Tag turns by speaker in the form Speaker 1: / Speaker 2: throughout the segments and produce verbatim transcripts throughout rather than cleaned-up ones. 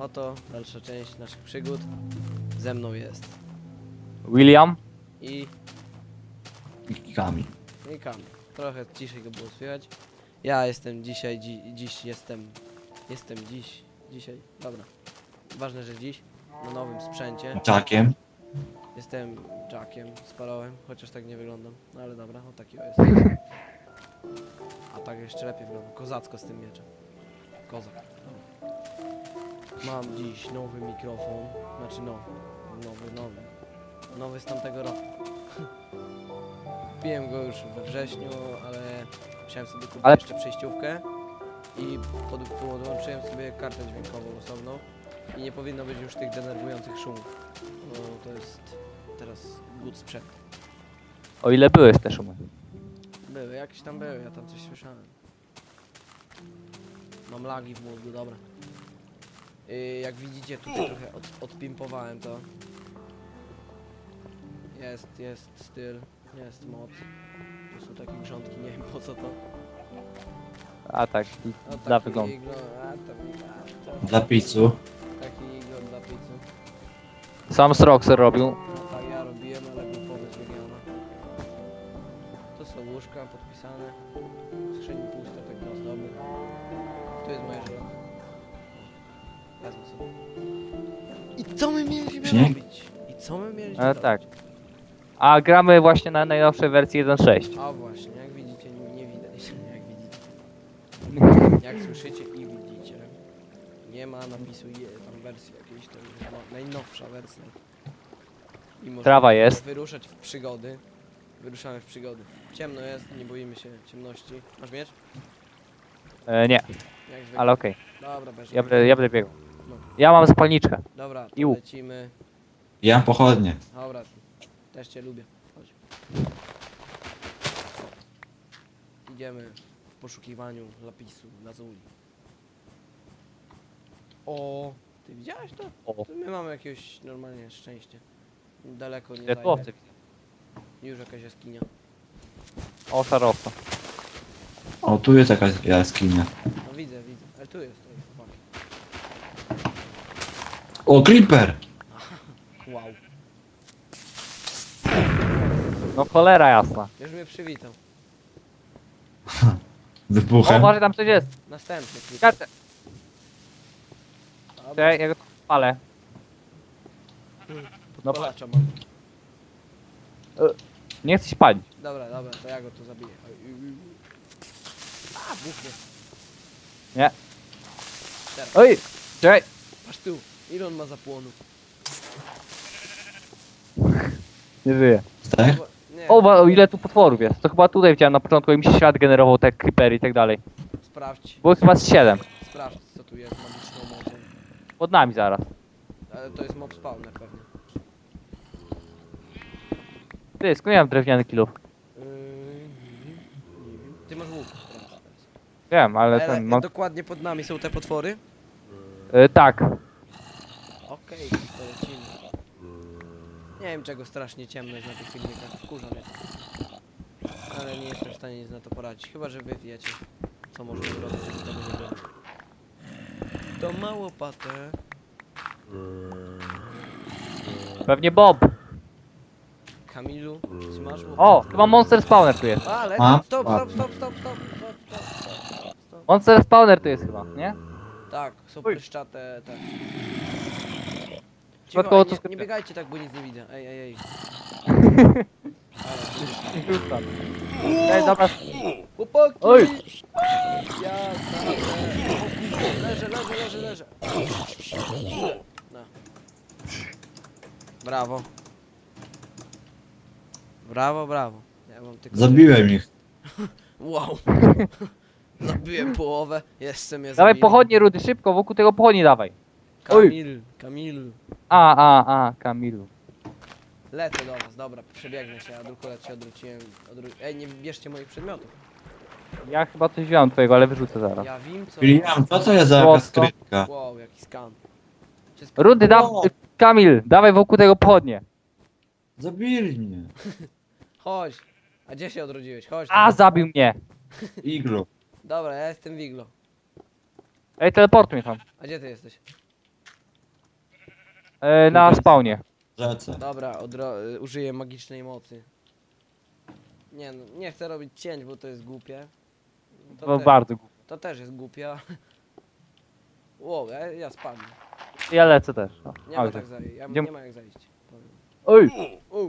Speaker 1: oto dalsza część naszych przygód. Ze mną jest
Speaker 2: William?
Speaker 1: i...
Speaker 3: I Kamil.
Speaker 1: i Kamil. Trochę ciszej go było słychać. Ja jestem dzisiaj, dzi dziś jestem... Jestem dziś, dzisiaj, dobra. Ważne, że dziś, na nowym sprzęcie.
Speaker 3: Jackiem.
Speaker 1: Jestem Jackiem, spalałem, chociaż tak nie wyglądam. No ale dobra, o taki o jest. A tak jeszcze lepiej wygląda. Kozacko z tym mieczem. Kozak. Dobra. Mam dziś nowy mikrofon. Znaczy nowy. Nowy, nowy. Nowy z tamtego roku. Kupiłem go już we wrześniu, ale musiałem sobie kupić
Speaker 2: Ale-
Speaker 1: jeszcze przejściówkę. I pod, podłączyłem sobie kartę dźwiękową osobną. I nie powinno być już tych denerwujących szumów. No to jest teraz good sprzęt.
Speaker 2: O ile byłeś te szumy?
Speaker 1: Były, jakieś tam były, ja tam coś słyszałem. Mam lagi w mózgu, dobra. Yy, jak widzicie, tutaj trochę od, odpimpowałem to. Jest, jest styl, jest moc. To są takie grządki, nie wiem po co to.
Speaker 2: A tak,
Speaker 1: No,
Speaker 2: dla
Speaker 1: taki
Speaker 2: wyglądu.
Speaker 1: iglo, a tam, a, to,
Speaker 3: Dla pizzu.
Speaker 1: taki iglo dla pizzy.
Speaker 2: Sam Sroxer robił.
Speaker 1: No tak ja robiłem, ale był pomysł wygrana. To są łóżka podpisane. Skrzyni puste, tak na ozdoby. To jest moje żelazo. Wezmę sobie. I co my mieliśmy
Speaker 3: Śnieg?
Speaker 1: robić? I co my mieliśmy
Speaker 2: E,
Speaker 1: robić?
Speaker 2: tak. A gramy właśnie na najnowszej wersji jeden sześć.
Speaker 1: A właśnie, jak widzicie, nie, nie widać. Jak widzicie. Jak słyszycie i widzicie. Nie ma napisu je, tam wersji jakiejś, to jest no, najnowsza wersja. I możemy
Speaker 2: Trawa jest.
Speaker 1: wyruszać w przygody. Wyruszamy w przygody. Ciemno jest, nie boimy się ciemności. Masz miecz?
Speaker 2: E, nie,
Speaker 1: Jak zwykle.
Speaker 2: ale okej.
Speaker 1: Dobra, bez
Speaker 2: Ja, będę- ja będę biegł.
Speaker 1: No.
Speaker 2: Ja mam zapalniczkę.
Speaker 1: Dobra, to
Speaker 2: I łuk.
Speaker 1: lecimy.
Speaker 3: Ja mam pochodnie.
Speaker 1: Dobra, też cię lubię. Chodź. Idziemy w poszukiwaniu lapisu, lazuli. O, ty widziałeś to?
Speaker 2: O,
Speaker 1: To my mamy jakieś normalnie szczęście. Daleko nie
Speaker 2: ile
Speaker 1: zajdę.
Speaker 2: tu owce widzę.
Speaker 1: Już jakaś jaskinia.
Speaker 2: O, szarowca.
Speaker 3: O, tu jest jakaś jaskinia.
Speaker 1: No widzę, widzę. Ale tu jest, to jest chłopaki.
Speaker 3: O, creeper!
Speaker 1: Wow.
Speaker 2: No cholera jasna.
Speaker 1: Już mnie przywitał.
Speaker 2: O,
Speaker 3: Wybuchem.
Speaker 2: może tam coś jest.
Speaker 1: Następny klip.
Speaker 2: Kartę.
Speaker 1: Dobra,
Speaker 2: Czekaj, ja go tu palę. No
Speaker 1: podpalacza mam.
Speaker 2: Nie chcę się palić.
Speaker 1: Dobra, dobra, to ja go tu zabiję. Oj, oj, oj. A, buchnie.
Speaker 2: Nie.
Speaker 1: Teraz.
Speaker 2: Oj! Czekaj.
Speaker 1: Patrz tu. Ile on ma zapłonów?
Speaker 2: Nie żyję.
Speaker 3: Tak?
Speaker 1: Bo- Nie,
Speaker 2: O, wa- o ile tu potworów jest. To chyba tutaj widziałem na początku i mi się świat generował te creepery i tak dalej.
Speaker 1: sprawdź.
Speaker 2: Było chyba z siedem.
Speaker 1: Sprawdź, co tu jest magiczną mocą.
Speaker 2: Pod nami zaraz.
Speaker 1: Ale to jest mob spawner pewnie.
Speaker 2: Ty, skąd ja mam drewniany kilów?
Speaker 1: Yy, nie wiem, nie wiem. Ty masz łuk. Sprawdź teraz.
Speaker 2: Wiem, ale
Speaker 1: Ale
Speaker 2: ten... No,
Speaker 1: dokładnie pod nami są te potwory?
Speaker 2: y, tak.
Speaker 1: Okej, to lecimy. Nie wiem czego strasznie ciemno jest na tych filmikach. Wkurza mnie. Ale nie jestem w stanie nic na to poradzić. Chyba, że wy wiecie, co możemy zrobić, żeby tego nie było. To ma łopatę.
Speaker 2: Pewnie Bob.
Speaker 1: Kamilu, czy masz łopatę?
Speaker 2: O, chyba Monster Spawner tu jest.
Speaker 1: Ale
Speaker 3: A?
Speaker 1: stop, stop, stop, stop, stop, stop, stop, stop, stop.
Speaker 2: Monster Spawner tu jest chyba, nie?
Speaker 1: Tak, są
Speaker 2: Oj.
Speaker 1: pryszczate, tak.
Speaker 2: Przypadkowo
Speaker 1: Cicho,
Speaker 2: to
Speaker 1: ej, nie, nie biegajcie tak, bo nic nie widzę. Ej, ej, ej.
Speaker 2: Rzucam. Ej, dobra.
Speaker 1: Chłopaki!
Speaker 2: Oj.
Speaker 1: Ja naprawdę. Leżę, leżę, leżę, leżę. No. Brawo. Brawo, brawo. Ja mam tylko...
Speaker 3: Zabiłem ich.
Speaker 1: Wow. Zabiłem połowę. Jeszcze mnie
Speaker 2: Dawaj
Speaker 1: zabili.
Speaker 2: pochodnie, Rudy, szybko, wokół tego pochodni dawaj. Oj.
Speaker 1: Kamil, Kamil.
Speaker 2: A, a, a, Kamilu.
Speaker 1: Lecę do was, dobra, przebiegnę się, a drukolet się odwróciłem. Odwró... Ej, nie bierzcie moich przedmiotów.
Speaker 2: Ja chyba coś wziąłem twojego, ale wyrzucę zaraz.
Speaker 1: Ja wiem co...
Speaker 3: William, co to jest za
Speaker 2: Złoto.
Speaker 3: jaka skrytka?
Speaker 1: Wow, jaki skan. Wszystko...
Speaker 2: Rudy, da...
Speaker 3: O.
Speaker 2: Kamil, dawaj wokół tego pochodnie.
Speaker 3: Zabili mnie.
Speaker 1: Chodź. A gdzie się odrodziłeś? Chodź.
Speaker 2: A,
Speaker 1: tam.
Speaker 2: zabił mnie.
Speaker 3: Iglu.
Speaker 1: Dobra, ja jestem Wiglo.
Speaker 2: Ej, teleportuj mnie tam.
Speaker 1: A gdzie ty jesteś?
Speaker 2: E, na
Speaker 3: Tutaj.
Speaker 2: spawnie.
Speaker 3: Rzece.
Speaker 1: Dobra, odro- y, użyję magicznej mocy. Nie no, nie chcę robić cięć, bo to jest głupie. To,
Speaker 2: To
Speaker 1: też,
Speaker 2: bardzo głupie.
Speaker 1: to też jest głupie. Wow, ja, ja spadłem.
Speaker 2: Ja lecę też. O,
Speaker 1: Nie ma
Speaker 2: dobrze.
Speaker 1: tak zajść. Ja,
Speaker 2: Idziemy.
Speaker 1: nie ma jak zajść. Powiem.
Speaker 2: Oj,
Speaker 1: Wow.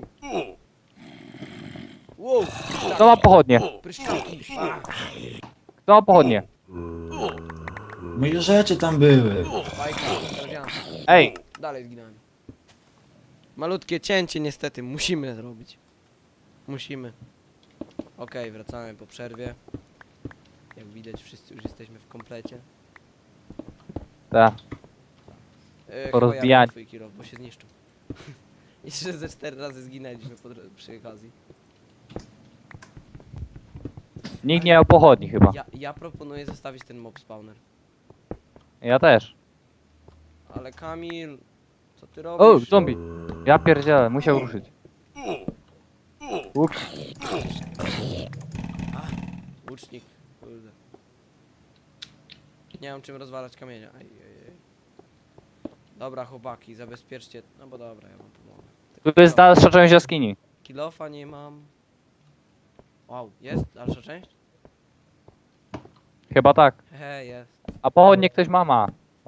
Speaker 1: Wow.
Speaker 2: kto ma pochodnie?
Speaker 1: Pryszczaki. A,
Speaker 2: Kto ma pochodnie?
Speaker 3: Moje rzeczy tam były.
Speaker 1: bajka, trafiam.
Speaker 2: Ej,
Speaker 1: Dalej zginąłem. Malutkie cięcie niestety musimy zrobić. Musimy. Okej, wracamy po przerwie. Jak widać wszyscy już jesteśmy w komplecie.
Speaker 2: tak.
Speaker 1: Yy,
Speaker 2: Po
Speaker 1: chyba
Speaker 2: rozbijaniu.
Speaker 1: ja twój kilo, bo się zniszczył. Jeszcze ze cztery razy zginęliśmy po, dro- przy okazji.
Speaker 2: Nikt nie miał pochodni chyba.
Speaker 1: Ja, ja proponuję zostawić ten mob spawner.
Speaker 2: Ja też.
Speaker 1: Ale Kamil, co ty
Speaker 2: O,
Speaker 1: robisz?
Speaker 2: zombie. Ja pierdzielę, musiał ruszyć. Ups.
Speaker 1: Łucznik, kurde. Nie mam czym rozwalać kamienia. Aj, aj, aj. Dobra chłopaki, zabezpieczcie. No bo dobra, ja wam pomogę.
Speaker 2: Tu jest dalsza część jaskini.
Speaker 1: Kilofa nie mam. Wow, jest dalsza część?
Speaker 2: Chyba tak.
Speaker 1: He, jest.
Speaker 2: A pochodnie ktoś ma ma.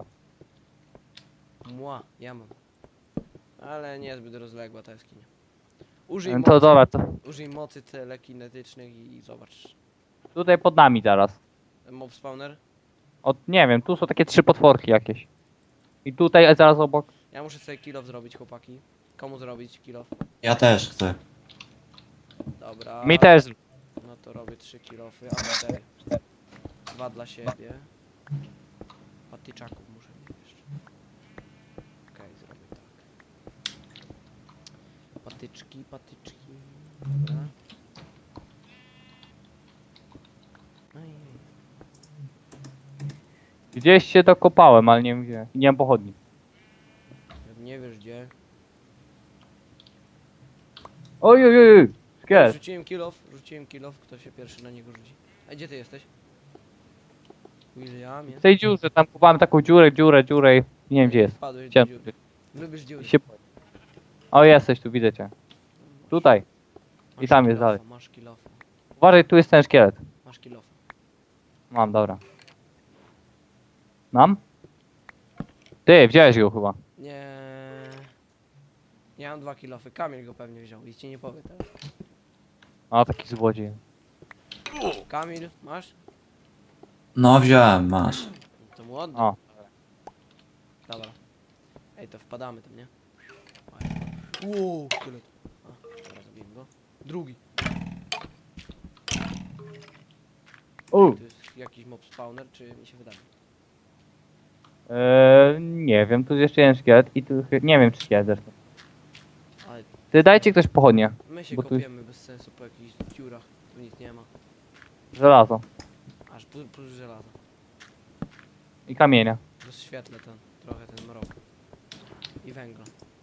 Speaker 1: Mła, ja mam. Ale niezbyt rozległa ta jaskinia. Użyj
Speaker 2: To
Speaker 1: mocy,
Speaker 2: dobra, to
Speaker 1: użyj mocy telekinetycznych i, i zobacz.
Speaker 2: tutaj pod nami zaraz.
Speaker 1: Mob spawner?
Speaker 2: Od, nie wiem, tu są takie trzy potworki jakieś. I tutaj zaraz obok.
Speaker 1: Ja muszę sobie kilof zrobić, chłopaki. Komu zrobić kilof?
Speaker 3: Ja też chcę.
Speaker 1: Dobra.
Speaker 2: Mi też.
Speaker 1: No to robię trzy kilofy, a cztery. Dwa dla siebie. Patyczaków muszę mieć jeszcze. Okej, zrobię tak. Patyczki, patyczki. Dobra. Ej,
Speaker 2: Gdzieś się dokopałem, ale nie wiem gdzie. Nie mam pochodni.
Speaker 1: jak nie wiesz gdzie.
Speaker 2: Oj, oj, oj, oj. Szkielet.
Speaker 1: Rzuciłem kilof, rzuciłem kilof, kto się pierwszy na niego rzuci. A gdzie ty jesteś? Williamie?
Speaker 2: W tej dziurze, tam kupałem taką dziurę, dziurę, dziurę i nie wiem gdzie jest.
Speaker 1: Wpadłeś do
Speaker 2: Chciałem...
Speaker 1: dziury. Lubisz dziury.
Speaker 2: się... O, jesteś tu, widzę cię. Tutaj.
Speaker 1: Masz
Speaker 2: i tam jest
Speaker 1: kilofa,
Speaker 2: dalej.
Speaker 1: Masz kilofa,
Speaker 2: Uważaj, tu jest ten szkielet.
Speaker 1: masz kilofa.
Speaker 2: Mam, dobra. Mam? Ty, wziąłeś go chyba.
Speaker 1: Nie. Ja mam dwa kilofy. Kamil go pewnie wziął i ci nie powie teraz.
Speaker 2: A, taki złodziej.
Speaker 1: Kamil, masz?
Speaker 3: No wziąłem, masz.
Speaker 1: To mu oddam.
Speaker 2: O.
Speaker 1: Dobra. Ej, to wpadamy tam, nie? Uuu, szkielet. A, dobra, zabiłem go. Drugi.
Speaker 2: U.
Speaker 1: To jest jakiś mob spawner, czy mi się wydaje?
Speaker 2: Eee, nie wiem, tu jest jeszcze jeden szkielet i tu... chy- Nie wiem, czy szkielet zresztą.
Speaker 1: Ale
Speaker 2: Ty, dajcie ktoś pochodnie.
Speaker 1: my się
Speaker 2: Bo tu-
Speaker 1: kopiemy bez sensu po jakichś dziurach. Tu nic nie ma.
Speaker 2: Żelazo.
Speaker 1: Aż plus, plus żelaza.
Speaker 2: I kamienia.
Speaker 1: Rozświetlę ten, trochę ten mrok. I węgla.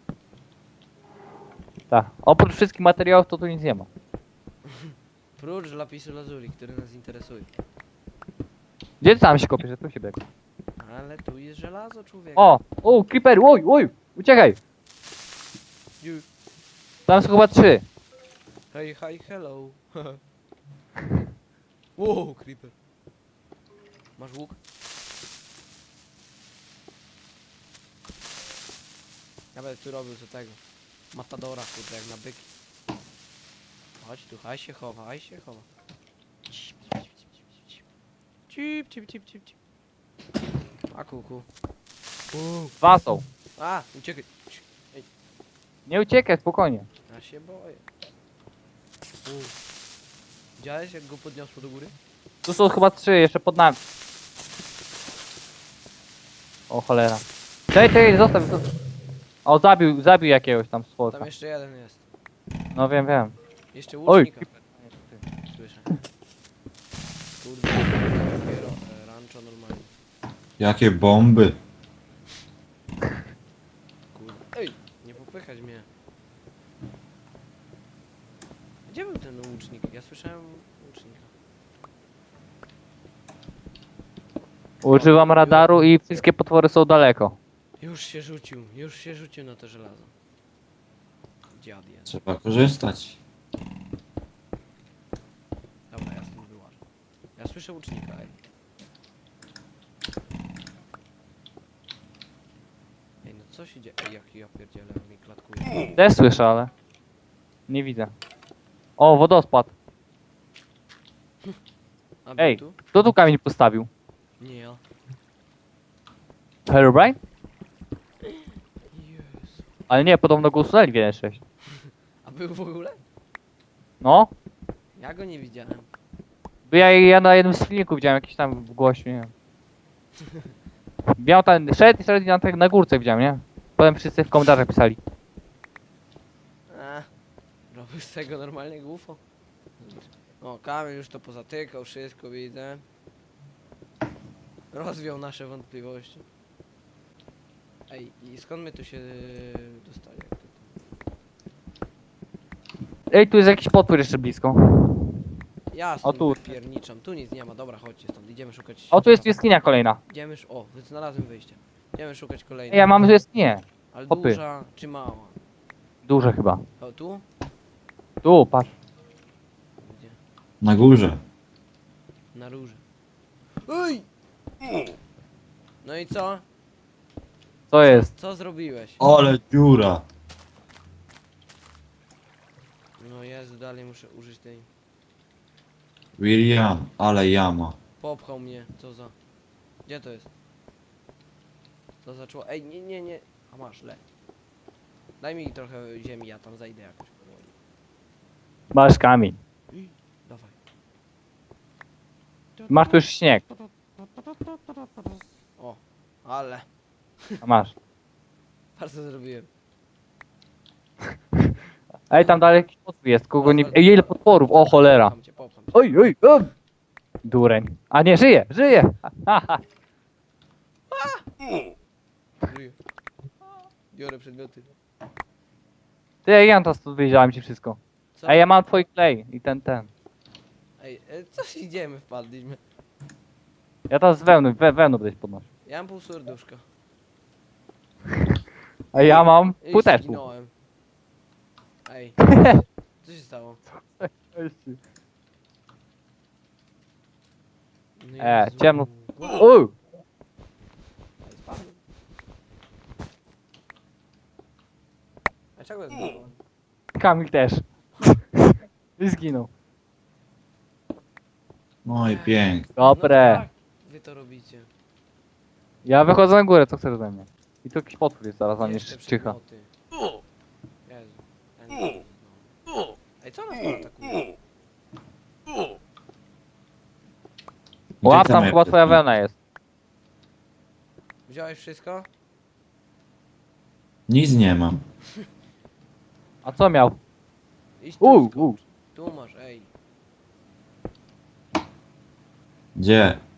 Speaker 2: Tak. Oprócz wszystkich materiałów to tu nic nie ma.
Speaker 1: Prócz lapisu lazuli, który nas interesuje.
Speaker 2: Gdzie ty tam się kopiesz? Ja tu się biegł.
Speaker 1: Ale tu jest żelazo, człowiek.
Speaker 2: O! O, creeper! Oj, oj! Uciekaj!
Speaker 1: You.
Speaker 2: Tam są chyba trzy.
Speaker 1: Hej, hi, hello. Wow, creeper. Masz łuk? Ja będę tu robił co tego. Matadora, kurde, jak na byki. Chodź tu, haj się chowa, haj się chowa. Cip, cip, cip, cip, cip. A kuku. Uuu.
Speaker 2: Dwa są.
Speaker 1: A, uciekaj.
Speaker 2: Nie uciekaj, spokojnie.
Speaker 1: Ja się boję. Uuu. Widziałeś jak go podniosło do góry?
Speaker 2: Tu są chyba trzy, jeszcze pod nami. O cholera. Czekaj, czekaj, zostaw, zostaw. O, zabił, zabił jakiegoś tam stworka.
Speaker 1: Tam jeszcze jeden jest.
Speaker 2: No wiem, wiem.
Speaker 1: Jeszcze
Speaker 2: Oj,
Speaker 1: łucznika. Słyszę. Kurde, dopiero e, rancho normalnie.
Speaker 3: Jakie bomby.
Speaker 1: Kurde. Ej, nie popychać mnie. Gdzie był ten łucznik? Ja słyszałem łucznika.
Speaker 2: Używam radaru i wszystkie potwory są daleko.
Speaker 1: Już się rzucił, już się rzucił na to żelazo. Dziad jeden.
Speaker 3: Trzeba korzystać.
Speaker 1: Dobra, ja stąd wyłażę. Ja słyszę łucznika, ej. Ej, no co się dzieje? Ej, jak ja pierdzielę, mi klatkuje.
Speaker 2: Też słyszę, ale... Nie widzę. O, wodospad.
Speaker 1: A był
Speaker 2: Ej,
Speaker 1: tu?
Speaker 2: kto tu kamień postawił?
Speaker 1: Nie ja.
Speaker 2: Herobrine?
Speaker 1: Jezu.
Speaker 2: Ale nie, podobno go usunęli w jeden sześć.
Speaker 1: A był w ogóle?
Speaker 2: No,
Speaker 1: Ja go nie widziałem.
Speaker 2: bo ja, ja na jednym z filmików widziałem jakiś tam w głosie, nie wiem. Miał ten, szedł i szedł na, tak na górce widziałem, nie? Potem wszyscy w komentarzach pisali.
Speaker 1: A, robił z tego normalnie U F O. O, Kamil już to pozatykał, wszystko widzę. Rozwiał nasze wątpliwości. Ej, i skąd my tu się dostali? Jak to tam?
Speaker 2: Ej, tu jest jakiś potwór jeszcze blisko.
Speaker 1: Ja
Speaker 2: O,
Speaker 1: stąd
Speaker 2: tu.
Speaker 1: wypierniczam, tu nic nie ma, dobra, chodźcie stąd, idziemy szukać...
Speaker 2: O, tu jest jaskinia kolejna.
Speaker 1: Idziemy, sz- o, znalazłem wyjście. Idziemy szukać
Speaker 2: Ej,
Speaker 1: kolejnej.
Speaker 2: ja mam jaskinię.
Speaker 1: Ale
Speaker 2: hopy.
Speaker 1: duża czy mała?
Speaker 2: Duże chyba.
Speaker 1: O, tu?
Speaker 2: Tu, patrz.
Speaker 1: Gdzie?
Speaker 3: Na górze.
Speaker 1: Na róży. Ej! No i co?
Speaker 2: Co jest?
Speaker 1: Co zrobiłeś?
Speaker 3: Ale dziura.
Speaker 1: No Jezu, dalej muszę użyć tej...
Speaker 3: William, ale jama.
Speaker 1: Popchał mnie, co za... Gdzie to jest? Co zaczęło? Ej, nie, nie, nie. A masz, le. Daj mi trochę ziemi, ja tam zajdę jakoś powoli.
Speaker 2: Masz kamień.
Speaker 1: Dawaj.
Speaker 2: Masz tu już śnieg.
Speaker 1: O, ale.
Speaker 2: A masz.
Speaker 1: Bardzo zrobiłem.
Speaker 2: Ej, tam dalej jakiś potwór jest, kogo nie... Ej, ile potworów, o cholera.
Speaker 1: Popcham cię, popcham cię.
Speaker 2: Oj, oj, oj. Dureń. A nie, żyje, żyje. Haha.
Speaker 1: Żyję. Biorę przedmioty.
Speaker 2: Ty, ja to stąd wyjrzałem ci wszystko.
Speaker 1: Co?
Speaker 2: Ej, ja mam twój klej i ten, ten.
Speaker 1: Ej, e, co idziemy, wpadliśmy.
Speaker 2: Ja to z wełny, we, wełnu będę podnosił.
Speaker 1: Ja mam pół serduszka.
Speaker 2: A ja mam
Speaker 1: I
Speaker 2: pół też.
Speaker 1: zginąłem. Ej, co się stało? No
Speaker 2: E,
Speaker 1: Jezu.
Speaker 2: ciemno.
Speaker 1: Wow.
Speaker 2: Uuu,
Speaker 1: Ej, spadłem. A czego zginąłem?
Speaker 2: Kamil też. I zginął.
Speaker 3: No i pięknie.
Speaker 2: Dobre.
Speaker 1: No tak, wy to robicie.
Speaker 2: Ja wychodzę na górę, co chcesz ode mnie? I tu jakiś potwór jest zaraz na mnie
Speaker 1: Jeszcze
Speaker 2: czyha.
Speaker 1: przedmioty. Jezu. Ten- no. Ej, co nas tu atakuje?
Speaker 2: Łap,
Speaker 3: Gdzie
Speaker 2: tam
Speaker 3: te
Speaker 2: chyba
Speaker 3: mapy?
Speaker 2: twoja wełna jest.
Speaker 1: Wziąłeś wszystko?
Speaker 3: Nic nie mam.
Speaker 2: A co miał?
Speaker 1: Idź tu,
Speaker 2: Uuu,
Speaker 1: skocz.
Speaker 2: uuu.
Speaker 1: Tu masz, ej.
Speaker 3: Gdzie?